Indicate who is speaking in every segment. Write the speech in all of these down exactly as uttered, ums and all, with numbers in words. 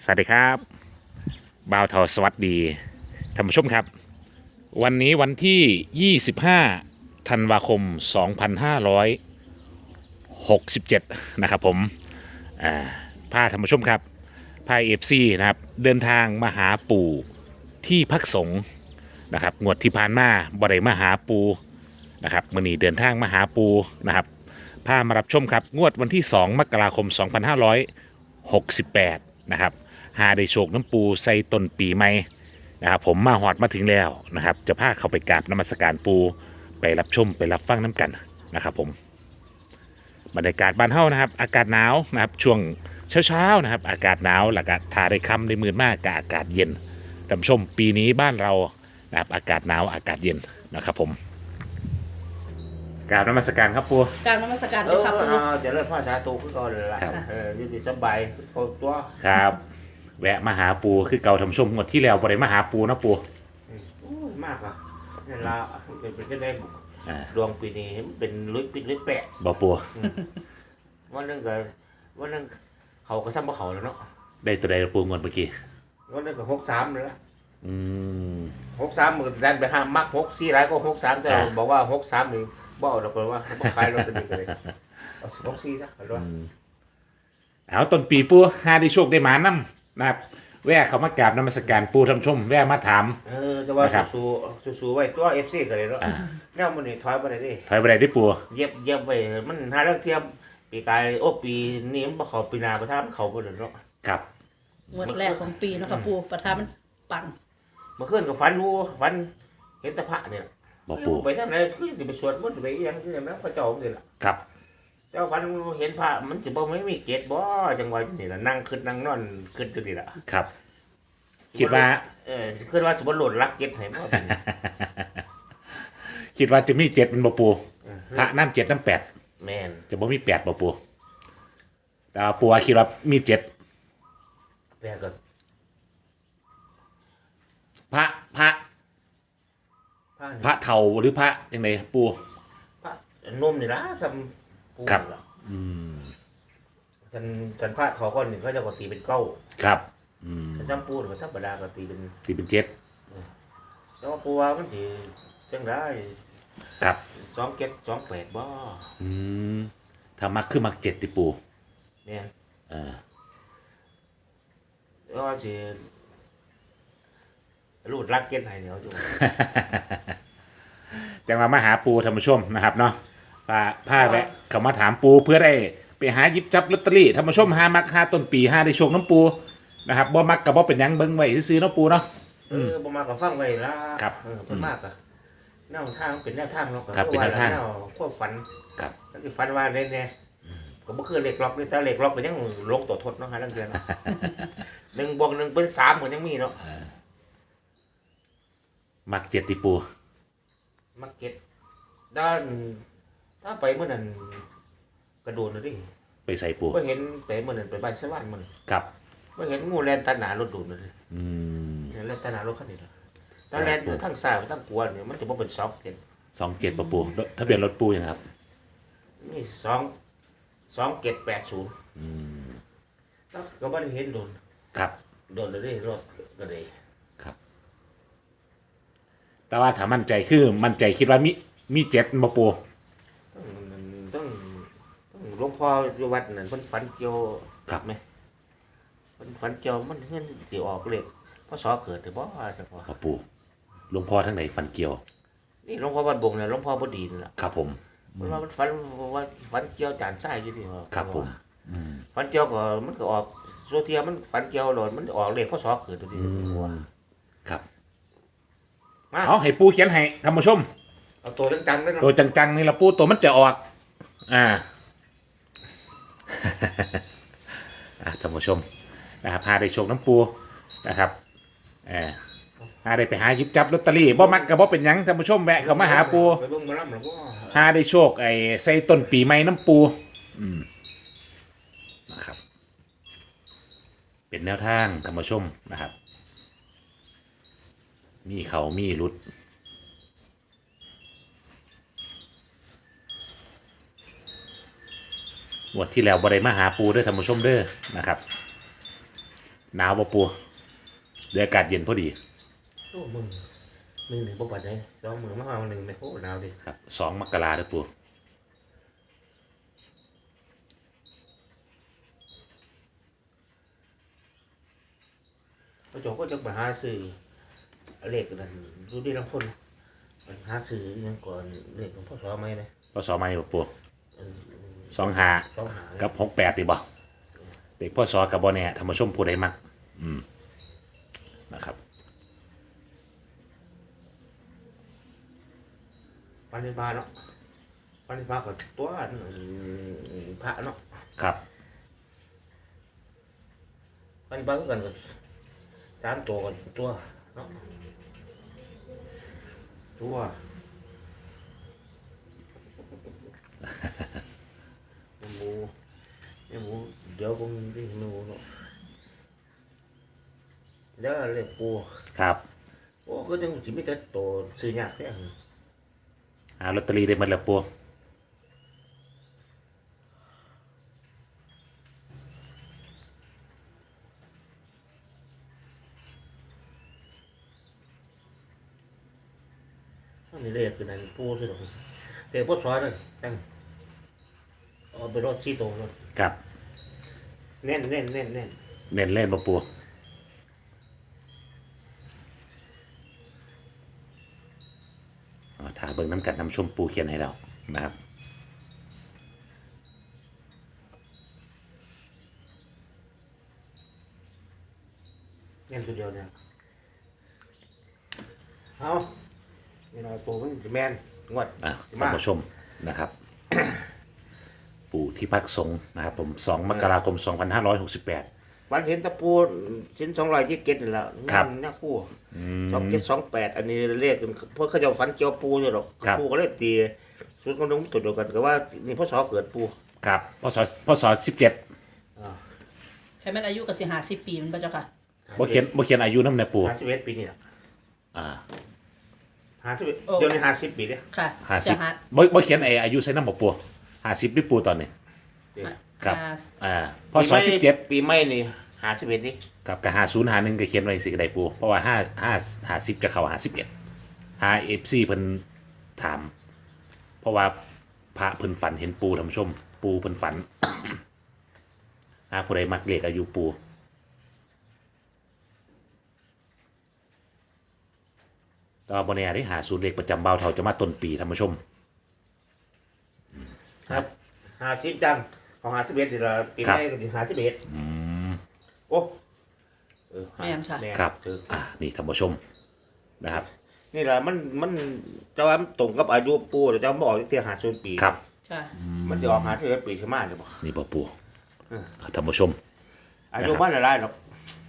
Speaker 1: สวัสดีครับบ่าวเทาสวัสดีท่านผู้ชมครับวันนี้วันที่ยี่สิบห้าธันวาคมสองพันห้าร้อยหกสิบเจ็ดนะครับผมอ่าพาท่านผู้ชมครับพาเอฟซีนะครับเดินทางมาหาปู่ที่พักสงฆ์นะครับงวดที่ผ่านมาบ่ได้มาหาปูนะครับมื้อนี้เดินทางมาหาปูนะครับพามารับชมครับงวดวันที่สองมกราคมสองพันห้าร้อยหกสิบแปดนะครับหาได้โชคน้ำปูใส่ต้นปีใหม่นะครับผมมาหอดมาถึงแล้วนะครับจะพาเข้าไปกราบนมัสการปูไปรับชมไปรับฟังน้ำกันนะครับผมบรรยากาศบ้านเฮานะครับอากาศหนาวนะครับช่วงเช้าๆนะครับอากาศหนาวแล้วก็ทาได้ค่ำได้มืดมากกับอากาศเย็นท่านผู้ชมปีนี้บ้านเรานะครับอากาศหนาวอากาศเย็นนะครับผมกราบนมัสการครับปู
Speaker 2: กรารนมัสการ
Speaker 3: เอ
Speaker 2: ด้วย
Speaker 3: อ
Speaker 2: ครับ
Speaker 3: เออเดี๋ยวเริ่มพ่อชาตูขึ้นก่อนเลยล่ะ
Speaker 1: ครับ
Speaker 3: เอออยู่ดีสบายพอตัว
Speaker 1: ครับแวะมาหาปูคือเก่าท่านผู้ชมงวดที่แล้วบ่ได้มาหาปูนะปู
Speaker 3: อู้ยมากอ่ะนี่ละเป็นเป็นจะได้
Speaker 1: อ่า
Speaker 3: ดวงปีนี้เป็นลุยปิดลุยแปะ
Speaker 1: บ่ปู
Speaker 3: วันหนึงก็วันหนึงเขาก็ซ้ำบ่เขาแล้วเนาะ
Speaker 1: ได้ตัวใดละปูงวดเมื่อกี้
Speaker 3: วันหนึงก็หกสามเลยละ
Speaker 1: อืม
Speaker 3: หกสามมันดันไปห้ามมักหกสี่ไรก็หกสามแต่
Speaker 1: อ่า
Speaker 3: บอกว่าหกสามนี่บ่เอาดอกเลยว่าบ่ขายรถตัวนี้เลยเอาหกสี่ซะเอาด้วย
Speaker 1: เอาต้นปีปูหาได้โชคได้หมานํนะครับแวะเขามากราบนมัสการปูท่านผู้ชมแวะมาถาม
Speaker 3: เออจะว่า
Speaker 1: นะครับ
Speaker 3: สู้ๆสู้ๆไว้ตัว เอฟ ซี ก็เลยเนาะแนวมันนี่ถอยบ่ได้เดิ
Speaker 1: ถอยบ่ได้ได้ปู
Speaker 3: เย็บเย็บไว้มันหาเรื่องเทียมปีกายโอ้ปีนี้มันบ่เขาปีหนาประทานมันเขาบ่ได้เนาะ
Speaker 1: ครับ
Speaker 2: งวดแรกของปีเนาะครับปูประธานมันปัง
Speaker 3: เมื่อคืนก็ฝันรู้ฝันเห็นแตะพระเนี่ย
Speaker 1: บ่ปู
Speaker 3: ไปทางไหนคือสิไปสวดมนต์ไปอีหยังคือหยังนั้นเขาเจ้านี่ล่ะ
Speaker 1: ครับ
Speaker 3: เจ้าฝันเห็นพระมันสิบ่ไม่มีเกศบ่จังหวะนี่ล่ะนั่งคิดนั่งนอนคิดอยู่นี่ล่ะ
Speaker 1: ครับ คิดว่า
Speaker 3: เออคิดว่าสิบ่โหลดรักเกศให้บ่
Speaker 1: คิดว่าจะมีเจ็ดเป็นบ่ปูพระน้ำเจ็ดน้ำแปด
Speaker 3: แม่น
Speaker 1: จะบ่มีแปดบ่ปูแต่ว่าปูคิดว่ามีเจ็ด
Speaker 3: แม่ก็
Speaker 1: พระพระ
Speaker 3: พระนี่
Speaker 1: พระเฒ่าหรือพระจังไดปู
Speaker 3: พระหนุ่มนี่ล่ะซำผู้
Speaker 1: ครับ
Speaker 3: นี่ล่ะฉันฉันพระทอก่อนนี่เขาเจะก็ตีเป็นเก้า
Speaker 1: ครับ
Speaker 3: ฉันจำปูนี่มันธรรมดาก็ตีเป็น
Speaker 1: ที่เป็นเจ็ด
Speaker 3: แต่ว่าปูว่ามันสิจังได้
Speaker 1: ครับ
Speaker 3: สองเก็ดสองแปดบ่
Speaker 1: อืมถ้ามักคือมักเจ็ดติปู
Speaker 3: เนี่ย
Speaker 1: เออ
Speaker 3: แล้วว่าสิรูดรักเก็ดให้เนี่ยเอาจุ
Speaker 1: จังมามาหาปูท่านผู้ชมนะครับเนาะพาพาแวะเขามาถามปูเพื่อได้ไปหาหยิบจับลอตเตอรี่ท่านผู้ชมหามักหาต้นปีหาได้โชคน้ำปูนะครับบ่มักกับบ่เป็นหยังเบิ่งไว้ซื้อๆเนาะปูเนาะ
Speaker 3: เออบ่มาก็ฟังไว้ละ
Speaker 1: ครับ
Speaker 3: เออเพิ่นมากอ่ะแนวทางเป็นแนวทางเนาะ
Speaker 1: ครับเป็นแนวทาง
Speaker 3: ความฝัน
Speaker 1: ครับ
Speaker 3: แล้วสิฝันว่าได้แน่ก็บ่คือเลขล็อกนี่แต่เลขล็อกก็ยังลงตัวทดเนาะหาลังเดือน หนึ่งบวกหนึ่งเป็นสามก็ยังมีเนาะ
Speaker 1: มักเจ็ดติปู
Speaker 3: มาเก็ตด้านถ้าไปเมื่อนั้นกระโดดเลยดิ
Speaker 1: ไปใส่ปู
Speaker 3: ก็เห็นไปเมื่อนั้นไปบ้านสวรรค์มัน
Speaker 1: ครับ
Speaker 3: ก็เห็นงูแลนตาหนารถดูดเลย
Speaker 1: อืม
Speaker 3: เห็นแลนตาหนารถคันนี้ละตาแลนทั้งซ้ายทั้งขวาเนี่ยมันจะบ่เป็นสองเก็ต
Speaker 1: สองเจ็ดปะปูทะเบียนรถปูยังครับ
Speaker 3: นี่สองสองเก็ตแปดศูนย์แล้วก็ไม่ได้เห็นโดน
Speaker 1: ครับ
Speaker 3: โดนเลยดิรถก็เลย
Speaker 1: แต่ว่าถ้ามั่นใจคือมั่นใจคิดว่ามีมีเจ็ดปะปู
Speaker 3: ต้องต้องต้องหลวงพ่ออยู่วัดนั่นเพิ่นฝันเกี่ยว
Speaker 1: ครับ
Speaker 3: ไหมเพิ่นฝันเกี่ยวมันเฮือนสิออกเลขพศเกิดหรือบ่จังว่า
Speaker 1: ปะปูหลวงพ่อทั้งไหนฟันเกี่ยว
Speaker 3: นี่หลวงพ่อวัดบงเนี่ยหลวงพ่อบ่ดีนี่ล่ะ
Speaker 1: ครับผม
Speaker 3: มันว่ามันฝันว่าฝันเกี่ยวจานทรายอยู่ที่ว่า
Speaker 1: ครับผม
Speaker 3: ฝันเกี่ยวก็มันก็ออกโซเทียมันฝันเกี่ยวโหลดมันออกเลขพศเกิดตัวนี้
Speaker 1: ครับ
Speaker 3: มา
Speaker 1: เอาให้ปูเขียนให้ท่านผู้ชม
Speaker 3: เอาตัวจังๆได้
Speaker 1: ตัว
Speaker 3: เนาะ
Speaker 1: จังๆนี่ละปูตัวมันจะออก อ่า อ่ะท่านผู้ชมนะครับพาได้โชคน้ำปูนะครับเออหาได้ไปหาหยิบจับลอตเตอรี่บ่มักกับบ่เป็นหยังท่านผู้ชมแวะเข้ามาหาปู
Speaker 3: ไปเบิ่งหมาลำหลวงพ่อ
Speaker 1: หาได้โชคไอ้ใส่ต้นปีใหม่น้ำปูอืมนะครับ เป็นแนวทางท่านผู้ชมนะครับ มีเขามีรุดงวดที่แล้วบริมาหาปูด้วยท่านผู้ชมเด้อนะครับหนาวบ่ปูเดี๋ยวอากาศเย็นพอดี
Speaker 3: โอ้มึงมึงหนึ่งบ่ปัดได้สองมือมาเอาหนึ่งไหมโอ้หนาวดิ
Speaker 1: ครับสองมกราเด้อปู
Speaker 3: พระเจ้าก็จะไปหาซื้อเลขกันดูดีลังคนไปหาซื้อยังก่อนเลขของพ่อสอไหมนะ
Speaker 1: พศมาอยู่บ่ปู
Speaker 3: เออ
Speaker 1: สองห้า
Speaker 3: สองหา
Speaker 1: กับหกแปดดีบ่เด็กพ่อสอกับบ่แน่ธรรมชมผู้ใดมักอืมนะครับ
Speaker 3: ปันนิบาเนาะปันนิบากับตัวพระเนาะ
Speaker 1: ครับ
Speaker 3: ปันนิบาก็กันกับสามตัวกันตัวเนาะตัวหมูหมูเดี๋ยวผมที่หมูเนาะเดี๋ยวเรียกปู
Speaker 1: ครับ
Speaker 3: โอ้ก็จังสิมีแต่ตัวซื้อยากแท้
Speaker 1: หาลอตเตอรี่ได้หมดแล้วปู
Speaker 3: อันนี้เรียกคือนั่นปูสิหรอกเรียกปูซอยเลยจังเอาไปรถซีโตรถ
Speaker 1: ครับ
Speaker 3: แน่นแน่นแน่นแน่น
Speaker 1: เน้นเล่นบ่ปูอ๋อถ้าเบิ่งน้ำกันน้ำชมปูเขียนให้เรานะครับ
Speaker 3: แน่นตัวเดียวเนี่ยเอานี่เราตัวมันจะแม่นงวด
Speaker 1: อ่ะ
Speaker 3: สิ
Speaker 1: ท่าน
Speaker 3: มา
Speaker 1: ผู้ชมนะครับ ปู่ที่พักสงฆ์นะครับผมสองมกราคมสองพันห้าร้อยหกสิบแปด
Speaker 3: วันเห็นตะปูชิ้นสองร้อยยี่สิบเจ็ดนี่แหละ
Speaker 1: ครับ
Speaker 3: นักปูสองเจ็ดสองแปดอันนี้เรียกเพราะเขาจะฟันเจียวปูอยู่หรอกปูก็เลยตีส่วนกำลังตัวเดียวกันก็ว่านี่พ่อสอเกิดปู
Speaker 1: ครับพศพศสิบเจ็ด
Speaker 2: ใช้แม่นอายุกับสิหาสิบปีมันปะเจ้าค่ะ
Speaker 1: บ่เขียนบ่เขียนอายุน้ำในปู่
Speaker 3: ห้าสิบเอ็ดปีนี่แหละ
Speaker 1: อ่า
Speaker 3: ห้าสิบเอ็ดเดี๋ยวนี้ห้าสิบปีเนี่ย
Speaker 2: ค่ะ
Speaker 1: ห้าสิ
Speaker 2: จะ
Speaker 1: บ
Speaker 2: หา
Speaker 1: บ่บ่เขียนไอ้อายุใส่น้ำบ่ปู่ห้าสิบดิปู่ตอนนี้ ครับ
Speaker 2: หา
Speaker 1: อ่าพศสิบเจ็ด
Speaker 3: ปีใหม่นี่ห้าสิบเอ็ดนี่
Speaker 1: กับกับห้าศูนย์ห้าหนึ่งก็เขียนไว้สิก็ได้ปู่เพราะว่าห้าห้าห้าสิบจะเข้าห้าสิบเอ็ดหาเอฟซีเพิ่นถาม เพราะว่าพระเพิ่นฝันเห็นปูท่านผู้ชม ปูเพิ่นฝัน อาผู้ใดมักเลขอายุปูตอนบนเนี่ยได้หาศูนย์เลขประจำเบาเท่าจะมาต้นปีท่านผู้ชม
Speaker 3: ครับห้าสิบจังของห้าสิบเอ็ดนี่ละปีใหม่ก็ห้าสิบเอ็ดโอ้เออ
Speaker 2: แม่นค่ะ
Speaker 3: แม่น
Speaker 1: ครับ
Speaker 3: ถือ
Speaker 1: อ่านี่ท่านผู้ชมนะครับ
Speaker 3: นี่แหละมันมันจะว่ามันตรงกับอายุปูแต่จะบอกที่หาศูนย์ปี
Speaker 1: ครับ
Speaker 2: ค่ะ
Speaker 3: มันจะออกหาที่ปีใช่ไหมจะบอก
Speaker 1: นี่บ่ปู
Speaker 3: เออ
Speaker 1: ท่านผู้ชม
Speaker 3: อายุบ้านอะไรหรอก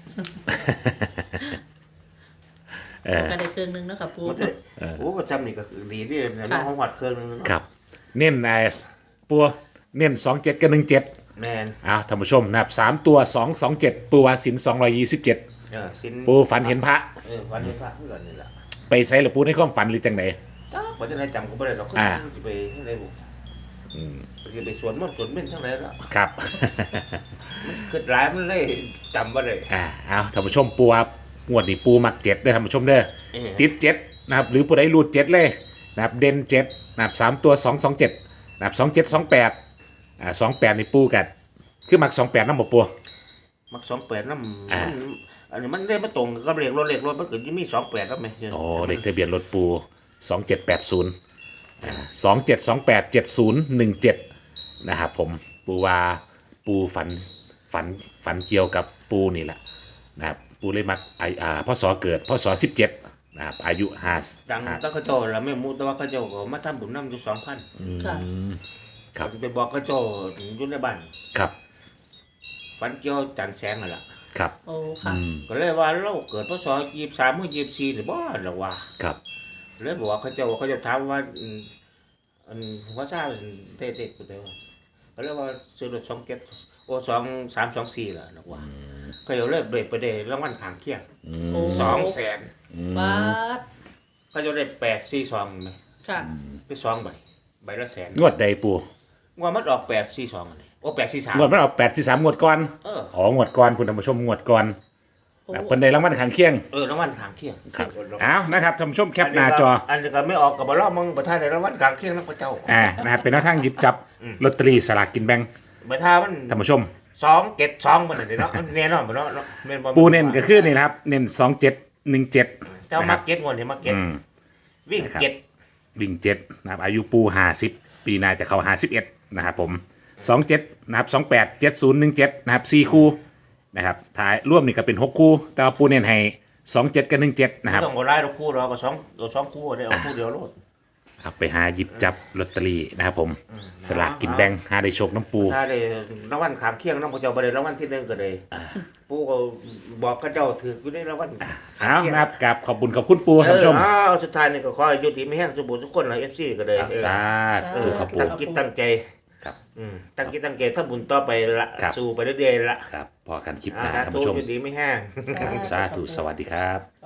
Speaker 1: เออ
Speaker 2: ก็ได้เครื่องนึงเนาะค่ะปู
Speaker 3: มันจะโอ้ประจำนี่ก็คือดีที่น้องของหัดเครื่องนึงเนาะ
Speaker 1: ครับ เน้นไอ้ปูเน้นสองเจ็ดกับหนึ่งเจ็ด
Speaker 3: แมน
Speaker 1: อ้าวท่านผู้ชมนะครับสามตัวสองสองเจ็ดปูวาสินสองร้อยยี่สิบเจ็ด
Speaker 3: เออสิน
Speaker 1: ปูฝันเห็นพระ
Speaker 3: เออวันนี้พระเพื่อนนี่แหละ
Speaker 1: ไปใส่หรือปูในความฝันหรือจังไหน
Speaker 3: จ้าปัจจุบันจำก็ไม่ได้หรอก
Speaker 1: อ่า
Speaker 3: จะไปที่ไหนบุจะไปสวนมันสวนเม่นทั้งไหนแล้ว
Speaker 1: ครับ
Speaker 3: คือร้ายมันเลยจำว่าเลย
Speaker 1: อ่าเอาท่านผู้ชมปูครับงวดนี้ปูมักเจ็ดเด้อท่านผู้ชมเด้อ
Speaker 3: เออ
Speaker 1: ติดเจ็ดนะครับหรือผู้ใดรูดเจ็ดเลยนะครับเด่นเจ็ดนะครับสามตัวสองสองเจ็ดนะครับสองเจ็ดสองแปดอ่าสองแปดในปูกันคือมักสองแปดน้ำบ่ปู
Speaker 3: มักสองแปดน้ำ
Speaker 1: อ่า
Speaker 3: มันอันนี้มันได้มาตรงกับเลขรถเลขรถมันเกิดยี่มีสองแปดแล้วไหม
Speaker 1: โอ้เลขทะเบียนรถปูสองเจ็ดแปดศูนย์อ่าสองเจ็ดสองแปดเจ็ดศูนย์หนึ่งเจ็ดนะครับผมปูว่าปูฝันฝันฝันเกี่ยวกับปูนี่แหละนะครับปูเลยมักไออ่าพ่อสอเกิดพ่อสอสิบเจ็ดนะครับอายุห้า
Speaker 3: ดัง
Speaker 1: ห้า
Speaker 3: ตั้งกระโจแล้วไม่มูแต่ว่าเขาเจ้าก็มาทำบุญน้ำอยู่สองพัน
Speaker 2: ค่ะ
Speaker 1: ครับ
Speaker 3: ไปบอกกระโจอยู่ในบ้าน
Speaker 1: ครับ
Speaker 3: ฝันเกี่ยวจันแสงนั่นแหละ
Speaker 1: ครับ
Speaker 2: โอ้ค่ะ
Speaker 1: อืม
Speaker 3: ก็เลยว่าเราเกิดพศยี่สิบสามเมื่อยี่สิบสี่หรือบ่หรือว่า
Speaker 1: ครับ
Speaker 3: เลยบอกว่าเขาเจ้าเขาเจะถามว่าอืมอันว่าทราบเด็ดๆกูเดียวก็เลยว่าซื้อรถสองเก็บโอ้สองสามสองสี่ล่ะหรือว่าเขาเจ้าเลยเบรกไปเดรางวัลขางเคียง
Speaker 2: โอ้
Speaker 3: สองแสน
Speaker 2: บาท
Speaker 3: เขาเจะได้แปดสี่สองไหม
Speaker 2: ค่ะ
Speaker 3: ไปสองใบใบละแสน
Speaker 1: งวดใดปู
Speaker 3: งวดมันออกแปดสี่สองอันนี้โอ้แปดสี่สาม
Speaker 1: งวดมันเอาแปดสี่สามงวดก่อน
Speaker 3: เออ
Speaker 1: อ๋องวดก่อนคุณท่านผู้ชมงวดก่อน
Speaker 2: โอ้
Speaker 1: นะเพิ่นได้รางวัลข้างเคียง
Speaker 3: เออรางวัลขางเคียง
Speaker 1: ครับเอานะครับท่านผู้ชมแคปหน้าจอ
Speaker 3: อันนี้ก็ไม่ออกกับบ่รอมึงบ่ท่าได้รางวัลขางเคียงนักพระเจ้า
Speaker 1: อ่านะครับเป็นแนวทางหยิบจับลอตเตอรี่สลากกินแบ่ง
Speaker 3: บ่ท่ามัน
Speaker 1: ท่านผู้ชม
Speaker 3: สองเจ็ดสองบ่นั่นเนาะแน่นอนบ่เนาะแม่นบ่
Speaker 1: ปูเน้นก็คือนี่นะครับเน้นสองเจ็ดหนึ่งเจ็ด
Speaker 3: เจ้ามักเก็ตงวดนี่มักเก็ต
Speaker 1: อืม
Speaker 3: วิ่ง
Speaker 1: นะครับ
Speaker 3: เจ็ด
Speaker 1: วิ่งเจ็ดนะครับอายุปูห้าสิบปีหน้าจะเข้าห้าสิบเอ็ดนะครับผมสองเจ็ดนะครับสองแปดเจ็ดศูนย์หนึ่งเจ็ดนะครับสี่คู่นะครับท้ายร่วมนี่ก็เป็นหกคู่ แต่ว่าปูเน้นให้สองเจ็ดกับหนึ่งเจ็ดนะครับ
Speaker 3: ต้องบ่ไล่ดอกคู่เราก็สองเอาสองคู่ได้เอาคู่เดียวโลด
Speaker 1: ครับไปหาหยิบจับลอตเตอรี่นะครับผมสลากกินแบ่งหาได้โชคน้ำปู
Speaker 3: ถ้าได้รางวัลขางเคียงนำพระเจ้าบ่ได้รางวัลที่หนึ่งก็ได้ปู่ก็บอกเขาเจ้าถืออยู่ได้รางวัล
Speaker 1: เอานะครับกับขอบคุณขอบคุณปู
Speaker 3: เอ
Speaker 1: ท่าน
Speaker 3: อ
Speaker 1: ผู้ชม
Speaker 3: เอาสุดท้ายนี่ก็ขอให้อยู่ดีมีแห้งสมบูรณ์ทุกคนล่ะ เอฟ ซี ก็ได้เออ
Speaker 1: สาธุครับปู
Speaker 3: ตั้งจิตตั้งใจ
Speaker 1: ครับ
Speaker 3: อืมตั้งจิตตั้งใจทำบุญต่อไปละ
Speaker 1: ครับ
Speaker 3: สู้ไปเรื่อยๆละ
Speaker 1: ครับพอกันคลิปห
Speaker 3: อ่า
Speaker 1: น้า
Speaker 3: สา
Speaker 1: ท่าน
Speaker 3: ธุ
Speaker 1: ผู้ชม
Speaker 3: อยู่ดีไม่แห้ง
Speaker 1: ครับสาธุสวัสดีครับ